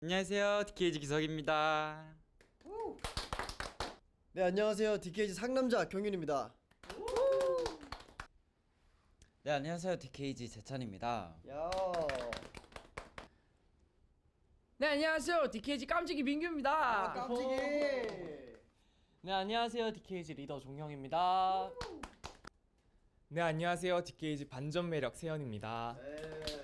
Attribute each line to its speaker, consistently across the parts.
Speaker 1: 안녕하세요, DKG 기석입니다.
Speaker 2: 네, 안녕하세요. DKG 상남자 경윤입니다.
Speaker 1: 네, 안녕하세요, DKG 재찬입니다.
Speaker 2: 야.
Speaker 3: 네, 안녕하세요. DKG 깜찍이 민규입니다.
Speaker 2: 깜찍이.
Speaker 4: 네, 안녕하세요. DKG 리더 종영입니다.
Speaker 5: 네, 안녕하세요. DKG 반전 매력 세연입니다.
Speaker 2: 네.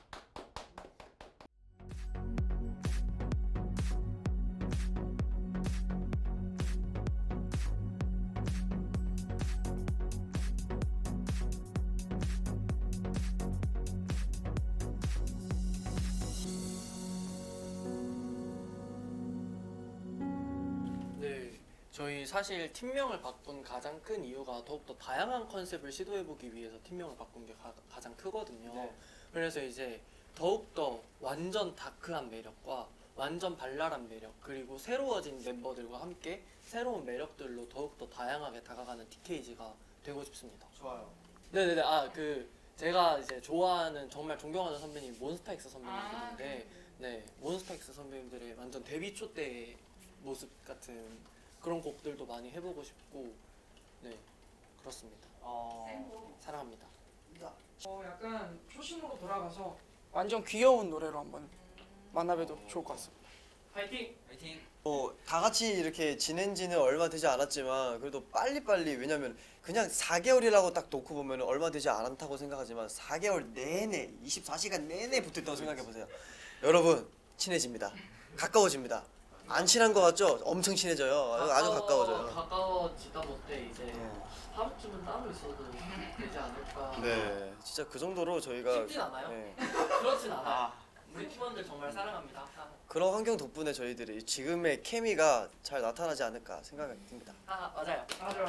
Speaker 4: 네, 저희 사실 팀명을 바꾼 가장 큰 이유가 더욱더 다양한 컨셉을 시도해보기 위해서 팀명을 바꾼 게 가장 크거든요.
Speaker 2: 네.
Speaker 4: 그래서 이제 더욱더 완전 다크한 매력과 완전 발랄한 매력, 그리고 새로워진 멤버들과 함께 새로운 매력들로 더욱더 다양하게 다가가는 DKG가 되고 싶습니다.
Speaker 2: 좋아요.
Speaker 4: 네네네. 제가 이제 좋아하는, 정말 존경하는 선배님 몬스타엑스 선배님들인데, 네, 몬스타엑스 선배님들의 완전 데뷔 초 때의 모습 같은 그런 곡들도 많이 해보고 싶고, 네, 그렇습니다. 사랑합니다.
Speaker 3: 약간 초심으로 돌아가서 완전 귀여운 노래로 한번 만나봬도 좋을 것 같습니다.
Speaker 4: 파이팅!
Speaker 1: 화이팅!
Speaker 2: 다 같이 이렇게 지낸 지는 얼마 되지 않았지만 그래도 빨리빨리, 왜냐면 그냥 4개월이라고 딱 놓고 보면 얼마 되지 않다고 생각하지만 4개월 내내 24시간 내내 붙어있다고 생각해보세요. 여러분, 친해집니다. 가까워집니다. 안 친한 거 같죠? 엄청 친해져요. 아주 가까워져요.
Speaker 4: 가까워지다 못해 이제 하루쯤은 따로 있어도 되지 않을까.
Speaker 2: 네, 진짜 그 정도로 저희가
Speaker 4: 쉽진 않아요?
Speaker 2: 네,
Speaker 4: 그렇진 않아요. 우리 팀원들 정말 사랑합니다.
Speaker 2: 그런 환경 덕분에 저희들이 지금의 케미가 잘 나타나지 않을까 생각이 듭니다.
Speaker 4: 맞아요.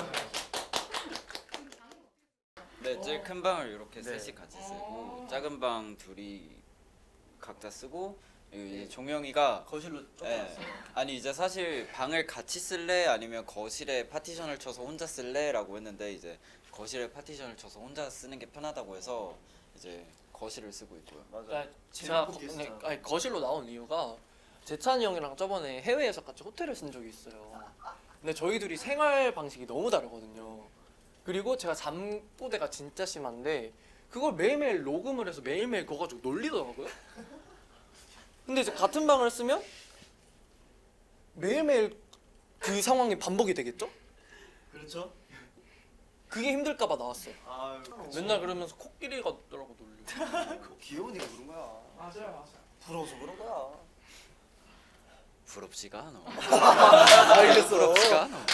Speaker 1: 네, 제일 큰 방을 이렇게
Speaker 2: 네.
Speaker 1: 셋이 같이 쓰고 작은 방 둘이 각자 쓰고 그리고 이제 종영이가
Speaker 4: 거실로
Speaker 1: 네, 아니 이제 사실 방을 같이 쓸래 아니면 거실에 파티션을 쳐서 혼자 쓸래라고 했는데 이제 거실에 파티션을 쳐서 혼자 쓰는 게 편하다고 해서 이제 거실을 쓰고 있고요.
Speaker 2: 맞아요.
Speaker 4: 제가
Speaker 2: 재밌고 비슷해요.
Speaker 4: 거실로 나온 이유가 재찬이 형이랑 저번에 해외에서 같이 호텔을 쓴 적이 있어요. 근데 저희 둘이 생활 방식이 너무 다르거든요. 그리고 제가 잠꼬대가 진짜 심한데 그걸 매일매일 녹음을 해서 매일매일 그거 가지고 놀리더라고요. 근데 이제 같은 방을 쓰면 매일매일 그 상황이 반복이 되겠죠?
Speaker 2: 그렇죠?
Speaker 4: 그게 힘들까봐 나왔어요.
Speaker 2: 아유,
Speaker 4: 맨날 그러면서 코끼리 같더라고 놀리고.
Speaker 2: 귀여우니까 그런 거야.
Speaker 3: 맞아요.
Speaker 2: 부러워서 그런 거야.
Speaker 1: 부럽지가 않아.
Speaker 2: 알겠어.
Speaker 1: 부럽지가 않아.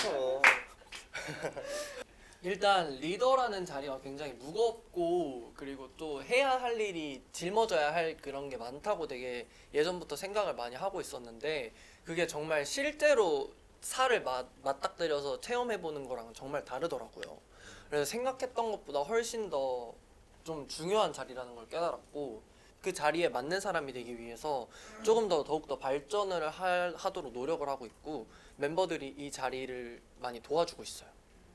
Speaker 4: 일단 리더라는 자리가 굉장히 무겁고 그리고 또 해야 할 일이 짊어져야 할 그런 게 많다고 되게 예전부터 생각을 많이 하고 있었는데 그게 정말 실제로 살을 맞닥뜨려서 체험해보는 거랑은 정말 다르더라고요. 그래서 생각했던 것보다 훨씬 더 좀 중요한 자리라는 걸 깨달았고 그 자리에 맞는 사람이 되기 위해서 조금 더 더욱더 발전을 하도록 노력을 하고 있고 멤버들이 이 자리를 많이 도와주고 있어요.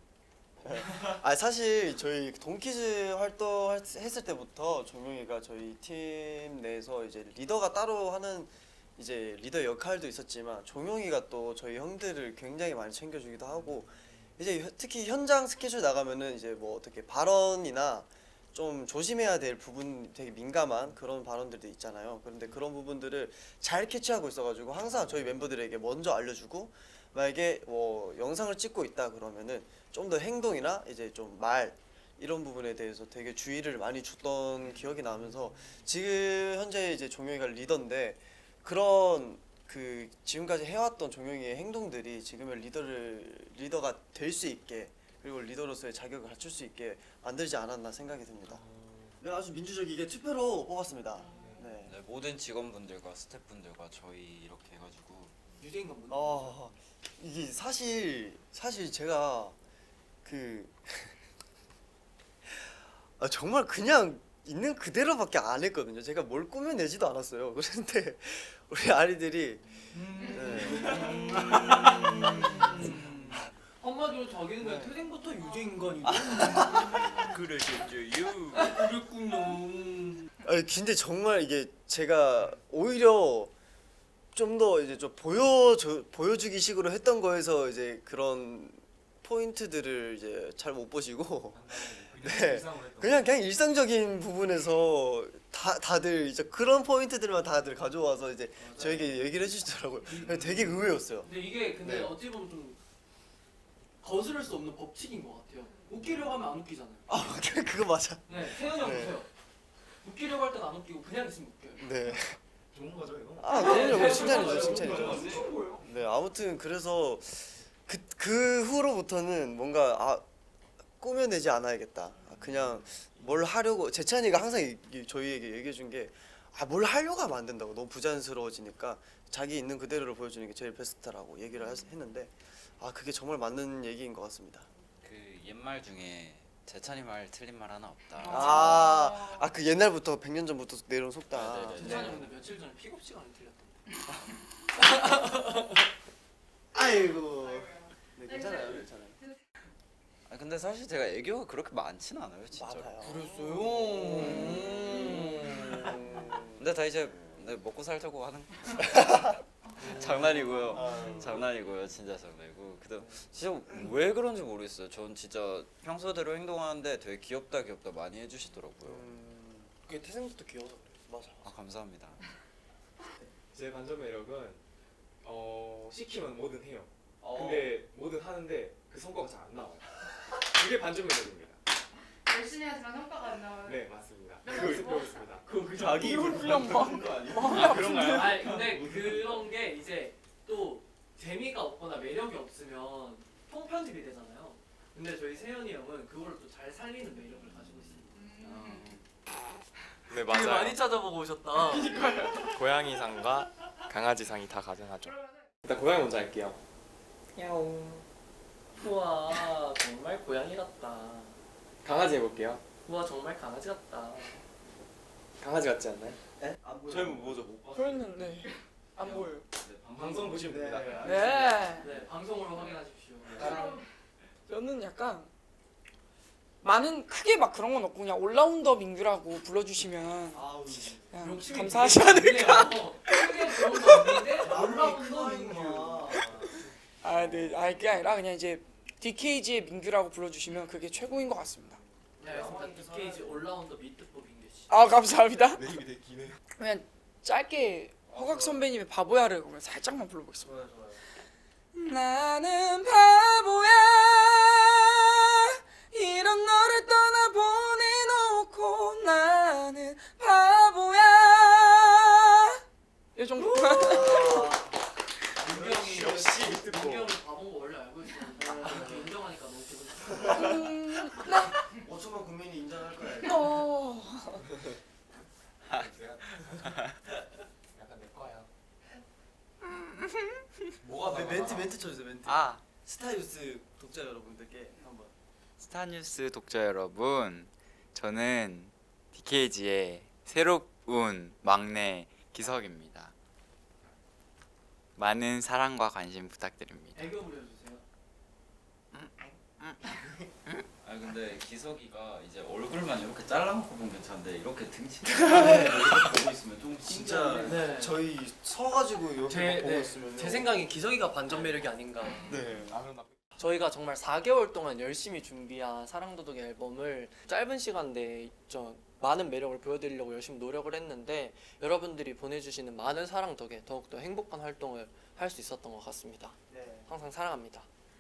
Speaker 2: 사실 저희 동키즈 활동했을 때부터 종용이가 저희 팀 내에서 이제 리더가 따로 하는 이제 리더 역할도 있었지만 종용이가 또 저희 형들을 굉장히 많이 챙겨주기도 하고 이제 특히 현장 스케줄 나가면은 이제 뭐 어떻게 발언이나 좀 조심해야 될 부분, 되게 민감한 그런 발언들도 있잖아요. 그런데 그런 부분들을 잘 캐치하고 있어가지고 항상 저희 멤버들에게 먼저 알려주고, 만약에 뭐 영상을 찍고 있다 그러면은 좀 더 행동이나 이제 좀 말 이런 부분에 대해서 되게 주의를 많이 줬던 기억이 나면서 지금 현재 이제 종영이가 리더인데 그런 그 지금까지 해왔던 종영이의 행동들이 지금의 리더가 될 수 있게, 그리고 리더로서의 자격을 갖출 수 있게 만들지 않았나 생각이 듭니다. 네, 아주 민주적이게 투표로 뽑았습니다. 네.
Speaker 1: 네, 모든 직원분들과 스태프분들과 저희 이렇게 해가지고
Speaker 4: 유대인간 못
Speaker 2: 이게 사실 제가 그 정말 그냥 있는 그대로밖에 안 했거든요. 제가 뭘 꾸며내지도 않았어요. 그런데 우리 아이들이
Speaker 4: 한마디로 자기는 그냥 태생부터 유대인간이고
Speaker 1: 그러셨죠요.
Speaker 4: 그랬구나.
Speaker 2: 근데 정말 이게 제가 오히려 좀 더 이제 좀 보여주기 식으로 했던 거에서 이제 그런 포인트들을 이제 잘 못 보시고 네 그냥 일상적인 부분에서 다들 이제 그런 포인트들만 다들 가져와서 이제 저에게 얘기를 해주시더라고요. 되게 의외였어요.
Speaker 4: 근데 이게 근데
Speaker 2: 네.
Speaker 4: 어찌 보면 좀 거스를 수 없는 법칙인 것 같아요. 웃기려고 하면 안 웃기잖아요.
Speaker 2: 아 그거 맞아.
Speaker 4: 네, 태연이 형
Speaker 2: 네.
Speaker 4: 보세요. 웃기려고 할 땐 안 웃기고 그냥 있으면 웃겨요.
Speaker 2: 네.
Speaker 6: 좋은 거죠 이거?
Speaker 2: 아 그럼요.
Speaker 4: 네,
Speaker 2: 칭찬이죠,
Speaker 4: 네,
Speaker 2: 칭찬이죠.
Speaker 3: 엄청 보여.
Speaker 2: 네 아무튼 그래서 그 후로부터는 뭔가 꾸며내지 않아야겠다. 그냥 뭘 하려고 재찬이가 항상 저희에게 얘기해 준 게 뭘 하려고 하면 안 된다고 너무 부자연스러워지니까 자기 있는 그대로를 보여주는 게 제일 베스트라고 얘기를 했는데 그게 정말 맞는 얘기인 것 같습니다.
Speaker 1: 그 옛말 중에 재찬이 말 틀린 말 하나 없다.
Speaker 2: 그 옛날부터 100년 전부터 내려온 속담.
Speaker 1: 네, 네, 네.
Speaker 4: 재찬이 근데 며칠 전에 픽업 시간이 틀렸던데.
Speaker 2: 아이고. 네 괜찮아요, 괜찮아요.
Speaker 1: 근데 사실 제가 애교가 그렇게 많진 않아요, 진짜.
Speaker 2: 맞아요.
Speaker 1: 근데 다 이제 먹고 살자고 하는 장난이고요. 장난이고요, 진짜 장난이고. 그다음 진짜 왜 그런지 모르겠어요. 전 진짜 평소대로 행동하는데 되게 귀엽다 많이 해주시더라고요.
Speaker 2: 그게 태생부터 귀여워서 그래. 맞아.
Speaker 1: 감사합니다.
Speaker 5: 제 반전 매력은 시키면 뭐든 해요. 근데 뭐든 하는데 그 성과가 잘 안 나와요. 그게 반전 매력입니다.
Speaker 7: 열심히 하지만 성과가 안 나와요.
Speaker 5: 네 맞습니다. 배우고 있습니다.
Speaker 2: 자기 입을
Speaker 3: 훈련 봐.
Speaker 5: 그런가요?
Speaker 4: 아니 근데 그런 게 이제 또 재미가 없거나 매력이 없으면 통편집이 되잖아요. 근데 저희 세현이 형은 그걸 또 잘 살리는 매력을 가지고 있습니다.
Speaker 8: 네
Speaker 4: 되게
Speaker 8: 맞아요.
Speaker 4: 많이 찾아보고 오셨다.
Speaker 8: 고양이상과 강아지상이 다 가능하죠.
Speaker 5: 일단 고양이 먼저 할게요.
Speaker 4: 야옹. 우와 정말 고양이 같다.
Speaker 5: 강아지 해볼게요.
Speaker 4: 우와 정말 강아지 같다.
Speaker 5: 강아지 같지 않나요?
Speaker 2: 안 보여.
Speaker 6: 저희 뭐죠?
Speaker 3: 보였는데 안 보여요.
Speaker 5: 방송 보시면 됩니다.
Speaker 3: 네.
Speaker 4: 네 방송으로 확인하십시오.
Speaker 3: 저는 약간 많은 크게 막 그런 건 없고 그냥 올라운더 민규라고 불러주시면 그냥
Speaker 4: 욕심이
Speaker 3: 감사하지
Speaker 4: 되게
Speaker 3: 않을까.
Speaker 4: 많네요. 크게 그런 거 없는데 올라운더 민규.
Speaker 3: 네, 그게 아니라 그냥 이제 DKG의 민규라고 불러주시면 그게 최고인 것 같습니다.
Speaker 4: 네 알겠습니다. DKG 올라운더 미트포 민규 씨.
Speaker 3: 감사합니다.
Speaker 6: 내 입이 되게 기네.
Speaker 3: 그냥 짧게 허각 선배님의 바보야를 그러면 살짝만 불러보겠습니다. 나는 바보야 이런 너를 떠나보내놓고 나는 바보야 이 정도.
Speaker 4: 민규 형이
Speaker 6: 역시 미트포.
Speaker 4: 민규 형이 바본 거 원래 알고 있었는데 이렇게 인정하니까 너무 기분 좋다.
Speaker 3: 네.
Speaker 2: 5천만 국민이 인정할 거야.
Speaker 5: 약간 내 거야.
Speaker 2: 뭐가 멘트 쳐주세요 멘트. 스타뉴스 독자 여러분들께 한번.
Speaker 9: 스타뉴스 독자 여러분, 저는 DKG의 새로운 막내 기석입니다. 많은 사랑과 관심 부탁드립니다.
Speaker 4: 애교 부려주세요.
Speaker 1: 근데 기석이가 이제 얼굴만 이렇게 잘라놓고 보면 괜찮은데 이렇게 등치 이렇게 보고 있으면 좀
Speaker 2: 진짜
Speaker 4: 네.
Speaker 2: 저희 서가지고 이렇게 보고
Speaker 4: 네,
Speaker 2: 있으면
Speaker 4: 제 생각엔 기석이가 반전 매력이 아닌가.
Speaker 2: 네.
Speaker 4: 저희가 정말 4개월 동안 열심히 준비한 사랑도둑 앨범을 짧은 시간 내에 많은 매력을 보여드리려고 열심히 노력을 했는데 여러분들이 보내주시는 많은 사랑 덕에 더욱더 행복한 활동을 할 수 있었던 것 같습니다.
Speaker 2: 네.
Speaker 4: 항상 사랑합니다.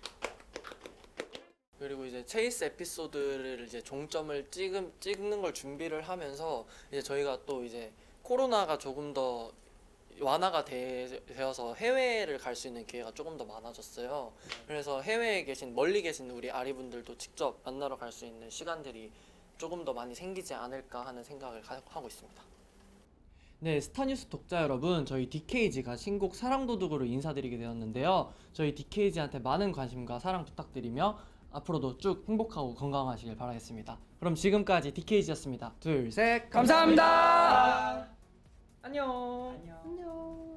Speaker 4: 그리고 이제 체이스 에피소드를 이제 종점을 찍는 걸 준비를 하면서 이제 저희가 또 이제 코로나가 조금 더 완화가 되어서 해외를 갈 수 있는 기회가 조금 더 많아졌어요. 그래서 해외에 계신 멀리 계신 우리 아리분들도 직접 만나러 갈 수 있는 시간들이 조금 더 많이 생기지 않을까 하는 생각을 하고 있습니다.
Speaker 10: 네, 스타뉴스 독자 여러분, 저희 DKG가 신곡 사랑도둑으로 인사드리게 되었는데요. 저희 DKG한테 많은 관심과 사랑 부탁드리며 앞으로도 쭉 행복하고 건강하시길 바라겠습니다. 그럼 지금까지 DKG였습니다. 둘, 셋, 감사합니다. 안녕.